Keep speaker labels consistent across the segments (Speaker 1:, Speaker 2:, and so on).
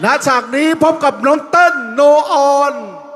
Speaker 1: ณฉากนี้พบกับน้องเต้นโนออน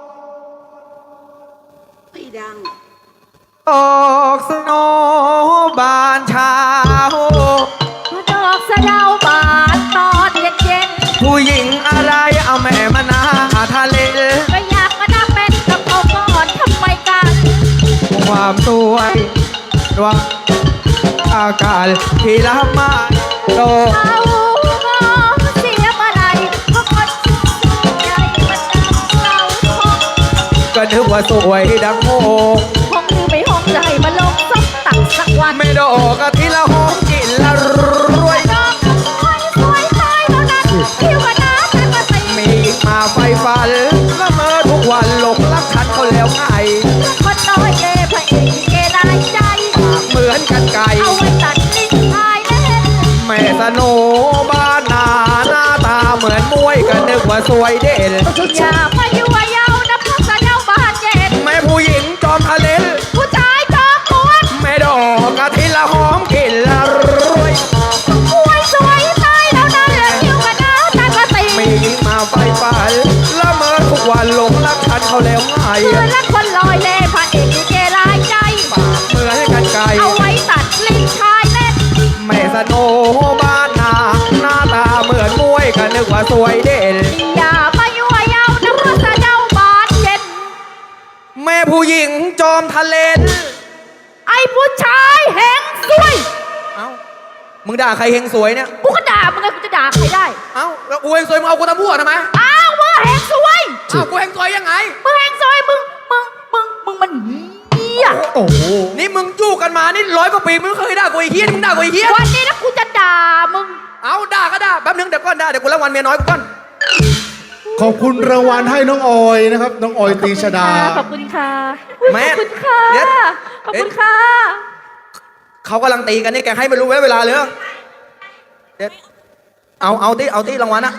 Speaker 2: ไม่ดัง
Speaker 3: ออกสโนบานเช้า
Speaker 4: ดอกสะเดาบานตอนเย็น
Speaker 3: ผู้หญิงอะไรเอาแม่มานาทะเล
Speaker 4: ๆก็อยากมานั่งเป็นกับเขาก่อนทำไมกัน
Speaker 3: ความสวยดวงอากาศที่ละมาโต
Speaker 4: เอาเสียมาไหลเพราะคนใหญ่มันดังเราทอง
Speaker 3: ก็นึกว่าสวยดังโม
Speaker 4: ห้องนี้ไม่ห้องใจมาลงสักตักสักวัน
Speaker 3: ไม่ดอกกะทิละหอมกินละรวย
Speaker 4: ดอกสวยตายแล้วนั้นผิวกระน้าแต่ก็ใส่
Speaker 3: มีอีกมาไฟฟันละเมอทุกวันหลงรักฉันเขาแล้วไง
Speaker 4: คนน้อยเล่พระเอกเกลายใจ
Speaker 3: เหมือนกันไก่
Speaker 4: เอาไว้ตัดลิ้นชายเล่น
Speaker 3: แม่สโนบ้านนาหน้าตาเหมือนมวยก็นึกว่าสวยเด่น
Speaker 4: อย่ามายั่วเย้านะพวกสะเดาบานเย็น
Speaker 3: แม่ผู้หญิงจอมทะเล
Speaker 4: ผู้ชายจอมปวด
Speaker 3: แม่ดอกกะทิละหอมกินละรวย
Speaker 4: สวยตายแล้วนั่นแหละผิวกระน้าแต่ก็ตี
Speaker 3: มีหญิงมาไฟฝันละเมอทุกวันหลงรักฉันเขาแล้วไง
Speaker 4: เหมือนรักคนลอยเล่พระเอกลิเกลายใจ
Speaker 3: ปากเหมือนกันไก่
Speaker 4: เอาไว้ตัดลิ้นชายเล่น
Speaker 3: แม่สโนบ้านนาหน้าตาเหมือนมวยก็นึกว่าสวยเด่น
Speaker 4: อย่ามายั่วเย้านะพวกสะเดาบานเย็น
Speaker 3: แม่ผู้หญิงจอมทะเล
Speaker 4: ไอ้ผู้ชายแหงสวย
Speaker 3: เอ้ามึงด่าใครเฮงสวยเนี่ย
Speaker 4: กูก็ด่ามึงไงกูจะด่าใครได้
Speaker 3: เอ้าแล้วกูเฮงสวยมึงเอากูตะมั่วทำไม
Speaker 4: อ้าวมึงแหงสวย
Speaker 3: อ้าวกูเฮงสวยยังไง
Speaker 4: มึงแหงสวยมึงมันเหี้ย
Speaker 3: โอ้โหนี่มึงจู้กันมานี่100 กว่าปีมึงเคยด่ากูไอ้เหี้ยมึงด่ากูไอ้เหี้ย
Speaker 4: วันนี้นะกูจะด่ามึง
Speaker 3: เอาด่าก็ด่าแป๊บนึงเดี๋ยวก่อนด่าเดี๋ยวกูรางวัลเมียน้อยกูก่อน
Speaker 1: ขอบคุณรางวัลให้น้องออยนะครับน้องออยตีชดา
Speaker 4: ขอบคุณค่ะ
Speaker 3: แม่
Speaker 4: ขอบคุณค่ะขอบคุณค่ะ
Speaker 3: เขากำลังตีกันนี่แกให้ไม่รู้เวลาเลยเด็ดเอาที่รางวัลนะ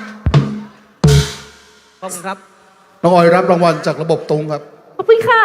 Speaker 3: ขอบคุณครับ
Speaker 1: น้องออยรับรางวัลจากระบบตรงครับ
Speaker 4: ขอบคุณค่ะ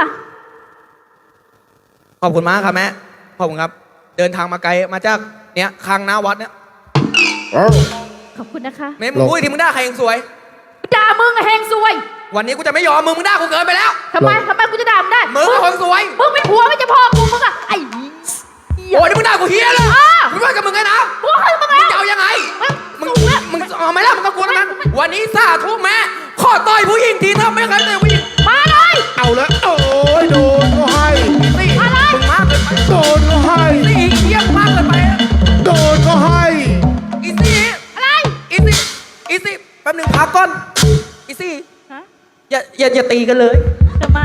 Speaker 3: ขอบคุณมากครับแม่ขอบคุณครับเดินทางมาไกลมาจากเนี่ยข้างหน้าวัดเนี่ย
Speaker 4: ขอบคุณนะคะ
Speaker 3: แม่มึงพูดที่มึงด่าใครเองสวย
Speaker 4: ด่ามึงแหงสวย
Speaker 3: วันนี้กูจะไม่ยอมมึงด่ากูเกินไปแล้ว
Speaker 4: ทำไมกูจะด่ามึงได้
Speaker 3: มึงคนสวย
Speaker 4: มึงไม่ผัวไม่จะพ่อกูมึงอะไอ้
Speaker 3: โอ้ยนี่มึงด่ากูเฮียเลยมึงว่ากับมึงไงนะ
Speaker 4: กูให้มึงแล้ว
Speaker 3: มึงจะเอายังไงมึงเอาไหมล่ะมึงก็กลัวนั้นวันนี้สาธุแม่ขอต่อยผู้หญิงทีถ้าไม่เคยต่อยผู้หญิง
Speaker 4: มาเลย
Speaker 1: เอาแล้วโอ้ยโดนก็ให้
Speaker 4: อะไร
Speaker 3: มึงมากเกินไป
Speaker 1: โดนก็ให้
Speaker 3: นี่เยี่ยมมากเกินไป
Speaker 1: โดนก็ให้
Speaker 3: อีซี่
Speaker 4: อะไร
Speaker 3: อีซี่แป๊บนึงพักก่อนอีซี่อย่าตีกันเลย
Speaker 4: ทำไม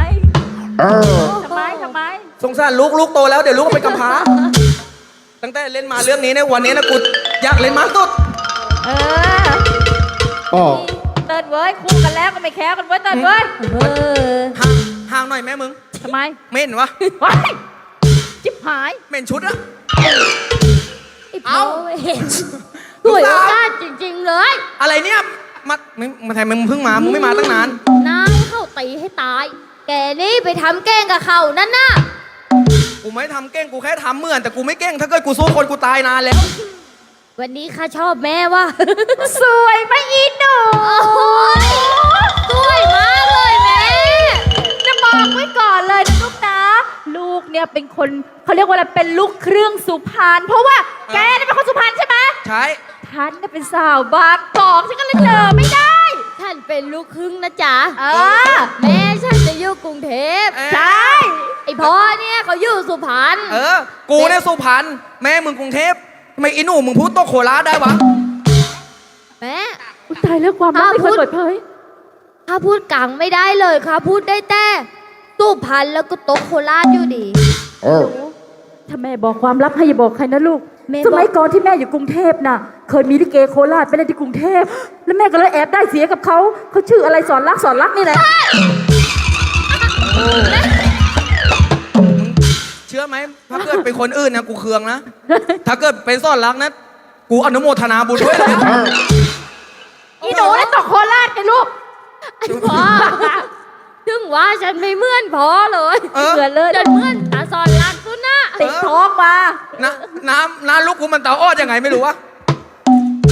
Speaker 3: สงสารลูกโตแล้วเดี๋ยวลูกไปกำพร้าตั้งแต่เล่นมาเรื่องนี้ในวันนี้นะกูอยากเล่นมากสุด
Speaker 4: เติร์ดเว้ยคู่กันแล้วก็ไม่แคร์กันเว้ยเติร์ดเว้ย
Speaker 3: ห่างหน่อยแม่มึง
Speaker 4: ทำไม
Speaker 3: เหม็นวะ
Speaker 4: จิ๊บหาย
Speaker 3: เหม็นชุดอะ
Speaker 4: เอาสวยมากจริงๆเลย
Speaker 3: อะไรเนี่ยมาทำไมมึงเพิ่งมามึงไม่มาตั้งนาน
Speaker 4: นายเข้าตีให้ตายแกนี่ไปทำแกล้งกับเขานั่นน่ะ
Speaker 3: กูไม่ทำแกล้งกูแค่ทำเหมือนแต่กูไม่แกล้งถ้าเกิดกูสู้คนกูตายนานแล้ว
Speaker 4: วันนี้ข้าชอบแม่ว่ะสวยไหมอีหนูสวยมากเลยแม่จะบอกไว้ก่อนเลยนะลูกนะลูกเนี่ยเป็นคนเขาเรียกว่าอะไรเป็นลูกเครื่องสุพรรณเพราะว่าแกเนี่ยเป็นคนสุพรรณใช่ไหม
Speaker 3: ใช่
Speaker 4: ท่านเนี่ยเป็นสาวบางกอกฉันก็เลยเจอไม่ได้ท่านเป็นลูกครึ่งนะจ๊ะแม่ฉันจะอยู่กรุงเทพใช่ไอพ่อเนี่ยเขาอยู่สุพรรณ
Speaker 3: กูเนี่ยสุพรรณแม่มึงกรุงเทพทำไมอีหนูมึงพูดโตโคราชได้วะ
Speaker 4: แม่ตายแล้วความรักไม่เคยเปิดเผยข้าพูดกลางไม่ได้เลยข้าพูดได้แต่สุพรรณแล้วก็โตโคราชอยู่ดีถ้าแม่บอกความลับให้อย่าบอกใครนะลูกสมัยก่อนที่แม่อยู่กรุงเทพน่ะเคยมีลิเกโคราชไปเล่นที่กรุงเทพแล้วแม่ก็เลยแอบได้เสียกับเขาชื่ออะไรสอนรักนี่แหละ
Speaker 3: เชื่อไหมถ้าเกิดเป็นคนอื่นนะกูเคืองนะถ้าเกิดเป็นสอนรักนะกูอนุโมทนาบุญด้วยเลย
Speaker 4: อีหนูได้ตกโคราชไงลูกพ่อถึงว่าฉันไม่เหมือนพ่อเลยเหมือนเลยจนเหมือนตาสอนรักสุนะติดท้องมา
Speaker 3: น้ำลูกกูมันเตาอ้อยังไงไม่รู้วะ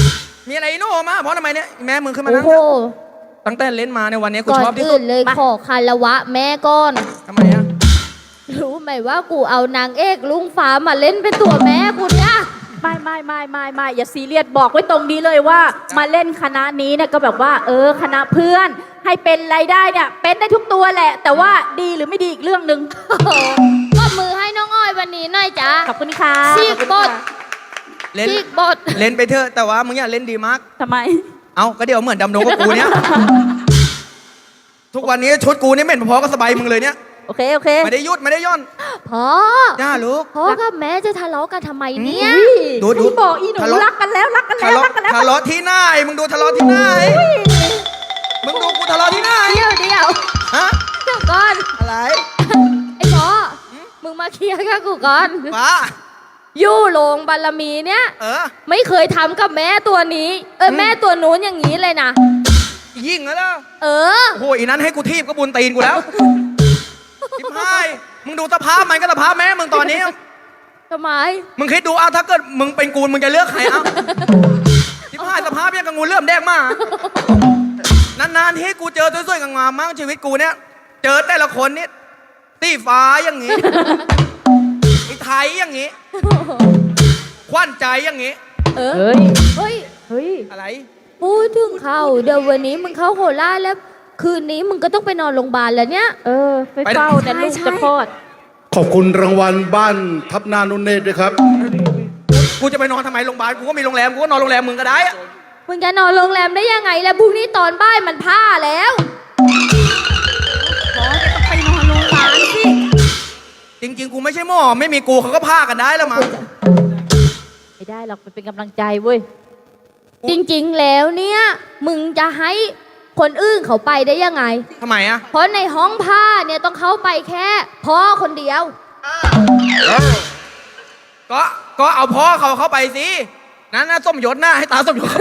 Speaker 3: มีอะไรโน่มาเพราะทำไมเนี่ยแม่มึงขึ้นมา
Speaker 4: โอ้
Speaker 3: นั่ง
Speaker 4: โห
Speaker 3: ตั้งแต่เล่นมาในวันนี้กู
Speaker 4: ก่อ
Speaker 3: ช
Speaker 4: น
Speaker 3: อบที่สุ
Speaker 4: อื่
Speaker 3: ด
Speaker 4: นเลยขอคารวะแม่ก่อน
Speaker 3: ทำไมอะ
Speaker 4: รู้ไหมว่ากูเอานางเอกลุงฟ้ามาเล่นเป็นตัวแม่กูเนี่ย
Speaker 2: ไม่อย่าซีเรียสบอกไว้ตรงนี้เลยว่ามาเล่นคณะนี้เนี่ยก็แบบว่าคณะเพื่อนให้เป็นรายได้เนี่ยเป็นได้ทุกตัวแหละ แต่ว่าดีหรือไม่ดีอีกเรื่องหนึ่ง
Speaker 4: โอ้โหก็มือให้น้องอ้อยวันนี้หน่อยจ้า
Speaker 2: ขอบคุณค่ะ
Speaker 4: ซีกบด
Speaker 3: เล่น
Speaker 4: ซีกบด
Speaker 3: เล่นไปเถอะแต่ว่ามึงอย่าเล่นดีมาก
Speaker 2: ทำไม
Speaker 3: เอาก็เดี๋ยวเหมือนดำดงกับกูเนี่ยทุกวันนี้ชุดกูนี่เหม็นพอๆก็สบายมึงเลยเนี่ย
Speaker 2: โอเค
Speaker 3: ไม่ได้ยุดไม่ได้ย่อน
Speaker 4: พ่อ
Speaker 3: จ้าลูก
Speaker 4: พ่อกับแม่จะทะเลาะกันทำไมเนี่ย
Speaker 3: ดู
Speaker 2: พี่บอกอีหนู
Speaker 3: ทะเลาะ
Speaker 2: รักกันแล้วรักกันแล้วรักกันแล้ว
Speaker 3: ทะเลาะที่ไหนมึงดูทะเลาะที่ไหนมึงดูกูทะเลาะที่ไหน
Speaker 4: เดี๋ยว
Speaker 3: ฮะ
Speaker 4: เดี๋ยวก่อน
Speaker 3: อะไร
Speaker 4: ไอ้พ่อมึงมาเคลียร์กับกูก่อน
Speaker 3: ป้า
Speaker 4: ยู่โรงบารมีเนี่ย
Speaker 3: เออ
Speaker 4: ไม่เคยทำกับแม่ตัวนี้แม่ตัวนู้นอย่างนี้เลยนะ
Speaker 3: ยิ่งแล้ว
Speaker 4: เออ
Speaker 3: โอ้โหอีนั้นให้กูทีบก็บุญตีนกูแล้วทิพายมึงดูสภาพมันก็สภาพแม่มึงตอนนี้
Speaker 4: ทำไม
Speaker 3: มึงคิดดูเอาถ้าเกิดมึงเป็นกูมึงจะเลือกใครเอาทิพายสภาพยังกับงูเลื่อมแดงมากนานๆที่กูเจอสวยๆงามๆมั่งชีวิตกูเนี่ยเจอแต่ละคนนี่ตีฟ้าอย่างงี้ไอ้ไทยอย่างงี้ควันใจอย่างงี้
Speaker 4: เออ
Speaker 2: เฮ้ย
Speaker 4: เฮ้ย
Speaker 2: เฮ้ย
Speaker 3: อะไร
Speaker 4: พูดถึงเขาเดี๋ยววันนี้มึงเข้าโคราชแล้ว คืนนี้มึงก็ต้องไปนอนโรงพยาบาลแล้วเนี่ย
Speaker 2: ไปเฝ้าแต่ลูกจะคลอด
Speaker 1: ขอบคุณรางวัลบ้านทับนานุนเนตรด้วยครับ
Speaker 3: กูจะไปนอนทำไมโรงพยาบาลกูก็มีโรงแรมกูก็นอนโรงแรมมึงก็ได้อะ
Speaker 4: มึงจะนอนโรงแรมได้ยังไงแล้วพรุ่งนี้ตอนบ่ายมันผ้าแล้ว
Speaker 2: ไปนอนโรงพยาบาลสิ
Speaker 3: จริงๆกูไม่ใช่หมอไม่มีกูเขาก็พากันได้แล้วมั้ง
Speaker 2: ไม่ได้หรอกมันเป็นกำลังใจเว้ย
Speaker 4: จริงๆแล้วเนี่ย มึงจะให้คนอื่นเขาไปได้ยังไง
Speaker 3: ทำไมอะ
Speaker 4: เพราะในห้องผ้าเนี่ยต้องเข้าไปแค่พ่อคนเดียว
Speaker 3: ก็เอาพ่อเขาเข้าไปสินั่นนะส้มหยดหน้าให้ตาส้มหยดเข้าไป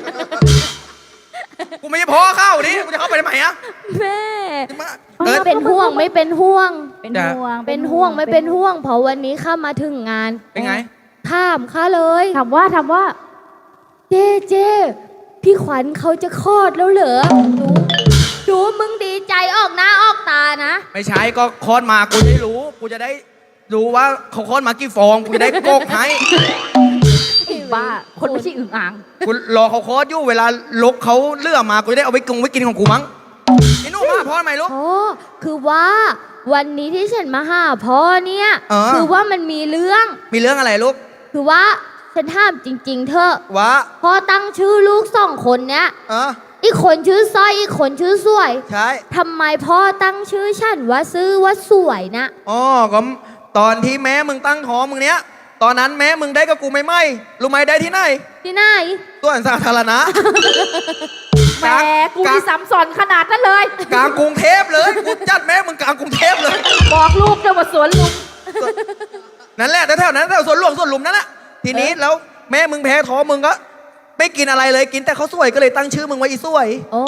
Speaker 3: กูไม่ใช่พ่อเข้าดิกูจะเข้าไปทำไมอะ
Speaker 4: แม่
Speaker 3: เออ
Speaker 4: ไม่เป็นห่วงไม่เป็นห่วง
Speaker 2: เป็น
Speaker 3: จ้ะ
Speaker 2: ห่วง
Speaker 4: เป็นห่วงไม่เป็นห่วง เพราะวันนี้ข้ามาถึงงาน
Speaker 3: เป็นไง
Speaker 4: ถามข้าเลย
Speaker 2: ถามว่า
Speaker 4: เจ๊พี่ขวัญเขาจะคลอดแล้วเหรอดูมึงดีใจออกหน้าออกตานะ
Speaker 3: ไม่ใช่ก็คลอดมากูจะได้รู้ กูจะได้รู้ว่าเขาคลอดมากี่ฟองกูจะได้โกกให้
Speaker 2: บ้า คนไม่ใช่อึ่งอ่าง
Speaker 3: กูรอเขาคลอดอยู่เวลาลกเขาเลือกมากูจะได้เอาไว้กินของกูมั้งไอ้หนุ่มมาพ่อทำไมลูก
Speaker 4: พ่อคือว่าวันนี้ที่ฉันมาหาพ่อเนี่ย คือว่ามันมีเรื่อง
Speaker 3: มีเรื่องอะไรลูก
Speaker 4: คือว่าฉันถามจริง ๆ เถอะ
Speaker 3: วะ
Speaker 4: พ่อตั้งชื่อลูก2 คนเนี้ย
Speaker 3: เออ
Speaker 4: อีกคนชื่อสร้อยอีกคนชื่อสวย
Speaker 3: ใช่
Speaker 4: ทำไมพ่อตั้งชื่อฉันว่าซื้อว่าสวยนะ
Speaker 3: อ๋อก็ตอนที่แม่มึงตั้งท้องมึงเนี้ยตอนนั้นแม่มึงได้กับกูไม่รู้ไหมได้ที่ไหน
Speaker 4: ที่ไหน
Speaker 3: ตัวสาธารณะ
Speaker 2: แหมกูมีซ้ำซ้อนขนาดนั้นเลย
Speaker 3: กลางกรุงเทพเลยกูจัดแม่มึงกลางกรุงเทพเลย
Speaker 2: บอกลูกเดี๋ยวว่าสวนลุม
Speaker 3: นั่นแหละแถวๆนั้นแถวสวนหลวงสวนหลุมนั่นแหละทีนี้แล้วแม่มึงแพ้ท้องมึงก็ไม่กินอะไรเลยกินแต่ข้าวสวยก็เลยตั้งชื่อมึงว่าอีสวย
Speaker 4: โอ้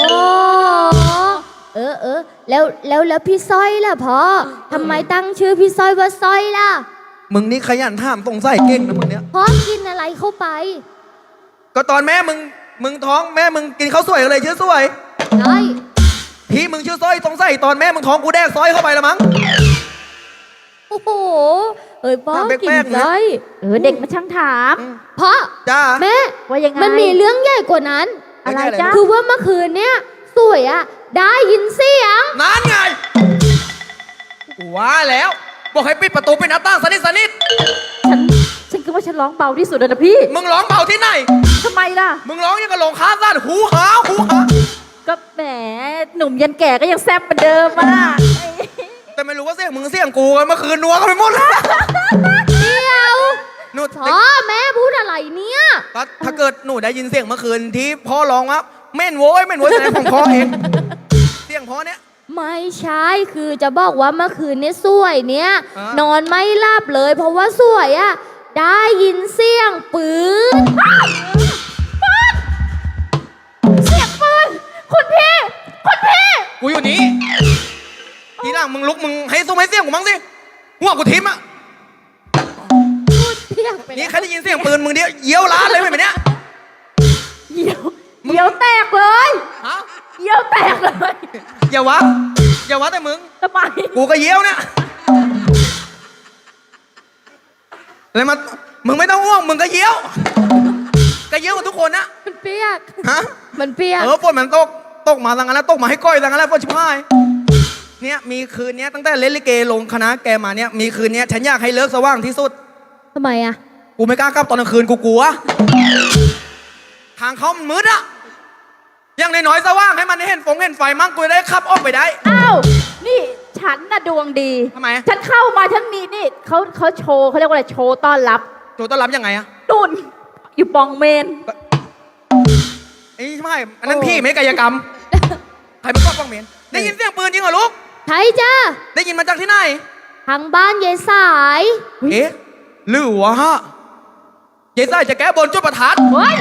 Speaker 4: แล้วพี่สร้อยล่ะพ่อทำไมตั้งชื่อพี่สร้อยว่าสร้อยล่ะ
Speaker 3: มึงนี่ขยันถามสงสัยเก่งนะมึงเนี้ย
Speaker 4: พ่อกินอะไรเข้าไป
Speaker 3: ก็ตอนแม่มึงท้องแม่มึงกินข้าวสวยก็เลยชื่อสวย
Speaker 4: ใช่
Speaker 3: ที่มึงชื่อสร้อยสงสัยตอนแม่มึงท้องกูแดกสร้อยเข้าไปละมั้ง
Speaker 4: โอ้โหพ่อ
Speaker 3: แปลกๆ
Speaker 4: กิน
Speaker 3: นะ
Speaker 4: สร้อย
Speaker 2: เด็กมาช่างถาม
Speaker 4: พ่อ
Speaker 3: จ้า
Speaker 4: แม่
Speaker 2: ว่ายังไง
Speaker 4: มันมีเรื่องใหญ่กว่านั้น
Speaker 2: อะไรจ๊ะ
Speaker 4: คือว่าเมื่อคืนเนี่ยสวยอะได้ยินเสียง
Speaker 3: นั่นไงว่าแล้ว บอกให้ปิดประตูปิดหน้าต่างสนิท
Speaker 2: ฉันคิดว่าฉันร้องเบาที่สุดแล้วนะพี่
Speaker 3: มึงร้องเบาที่ไหน
Speaker 2: ทำไมล่ะ
Speaker 3: มึงร้องยังกับลงค้าสั้นหูหา
Speaker 2: ก็แหมหนุ่มยันแก่ก็ยังแซ่บเหมือนเดิมอ่ะ
Speaker 3: แต่ไม่รู้ว่าเสียงมึงเสียงกูกันเมื่อคืนนัวกันไปหมดเลย
Speaker 4: เดียว
Speaker 3: หนู
Speaker 4: พ่อแม่พูดอะไรเนี่ย
Speaker 3: ก็ถ้าเกิดหนูได้ยินเสียงเมื่อคืนที่พ่อร้องว่าเม่นโว้ยแสดงของพ่อเองเสียงพ่อเนี้ย
Speaker 4: ไม่ใช่คือจะบอกว่าเมื่อคืนเนี่ยสวยเนี่ย
Speaker 3: อ่ะ
Speaker 4: นอนไม่หลับเลย เพราะว่าสวยอะได้ยินเสียงปืน
Speaker 2: เสียงปืนคุณพี่
Speaker 3: กูอยู่นี่ทีหลังมึงลุกมึงให้ซุ้มให้เสียงกูมั้งสิหัวกูทิ่มอ่ะ
Speaker 4: พูดเพี้ยงไป
Speaker 3: นี่
Speaker 4: แล้ว
Speaker 3: แค่ได้ยินเสียงปืนมึงเดียวเยี่ยวล้านเลยไหมเนี้ย
Speaker 2: เหี่ยวแตกเลย
Speaker 3: ฮะ
Speaker 2: เหี่ยวแตกเลย
Speaker 3: อย่าวะแต่มึง
Speaker 2: ทำไม
Speaker 3: กูก็เยี่ยวเนี่ยอะไรมามึงไม่ต้องห่วงมึงก็เยี่ยวก็เยี่ยวกับทุกคนนะ
Speaker 4: มันเปียก
Speaker 3: ฮะ
Speaker 4: มันเปียก
Speaker 3: ฝนมันตกมาทางนั้นแล้วตกมาให้ก้อยทางนั้นแล้วฝนชิบหายเนี่ยมีคืนเนี้ยตั้งแต่เล่นลิเกลงคณะแกมาเนี่ยมีคืนเนี้ยฉันอยากให้เลิกสว่างที่สุด
Speaker 4: ทำไมอะ
Speaker 3: กูไม่กล้ากลับตอนกลางคืนกูกลัวทางเขามันมืดอะอย่างน้อยๆสว่างให้มันเห็นไฟมั่งกูจะได้ขับออกไปได้
Speaker 2: อ้าวนี่ฉันน่ะดวงดี
Speaker 3: ทำไม
Speaker 2: ฉันเข้ามาฉันมีนี่เขาโชว์เขาเรียกว่าอะไรโชว์ต้อนรับ
Speaker 3: โจต้อนรับยังไงอะ
Speaker 2: นุ่นอยู่ปองเมน
Speaker 3: ไอ้ไม่อันนั้นพี่ไม่กายกรรมใครเป็นก้อนป้องเหม็นได้ยินเสียงปืนจริงเหรอลูก
Speaker 4: ใช่จ้า
Speaker 3: ได้ยินมาจากที่ไหน
Speaker 4: ทางบ้านยายสาย
Speaker 3: เอ๊ะหรือวะฮะเจ๊ใส่จะแก้บนจุดประทัด
Speaker 2: เฮ้ย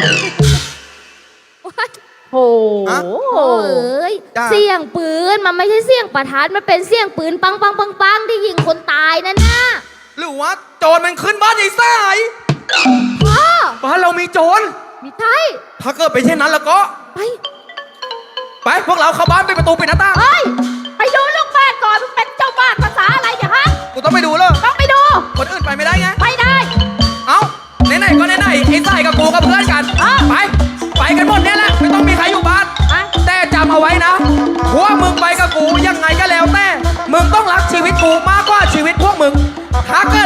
Speaker 2: โห
Speaker 3: ฮะ
Speaker 4: โอ้ย
Speaker 3: จ้า
Speaker 4: เสียงปืนมันไม่ใช่เสียงประทัดมันเป็นเสียงปืนปังปังปังปังที่ยิงคนตายนั่นนะ
Speaker 3: หรือว่าโจรมันขึ้นบ้านยายสาย
Speaker 4: พ่อ
Speaker 3: บ้านเรามีโจร
Speaker 4: มีไทย
Speaker 3: ถ้าเกิดเป็นเช่นนั้นแล้วก็
Speaker 4: ไป
Speaker 3: ไปพวกเราเข้าบ้านไปดประตูปิดหน้าต่าง
Speaker 2: เฮ้ยไปดูลูกบ้านก่อนมึงเป็นเจ้าบ้านภาษาอะไรเนี่ยฮะ
Speaker 3: กูต้องไปดูเลย
Speaker 2: ต้องไปดู
Speaker 3: คนอื่นไปไม่ได้ไง
Speaker 2: ไปได้
Speaker 3: เอ้าไหนๆก็ไหนๆไอ้สายกับกูกับเพื่อนกัน
Speaker 2: อ่ะ
Speaker 3: ไปกันหมดเนี่ยแหละไม่ต้องมีใครอยู่บ้าน
Speaker 2: อ่ะ
Speaker 3: แต่จำเอาไว้นะพวกมึงไปกับกูยังไงก็แล้วแต่มึงต้องรักชีวิตกูมากกว่าชีวิตพวกมึงถ้าเกิด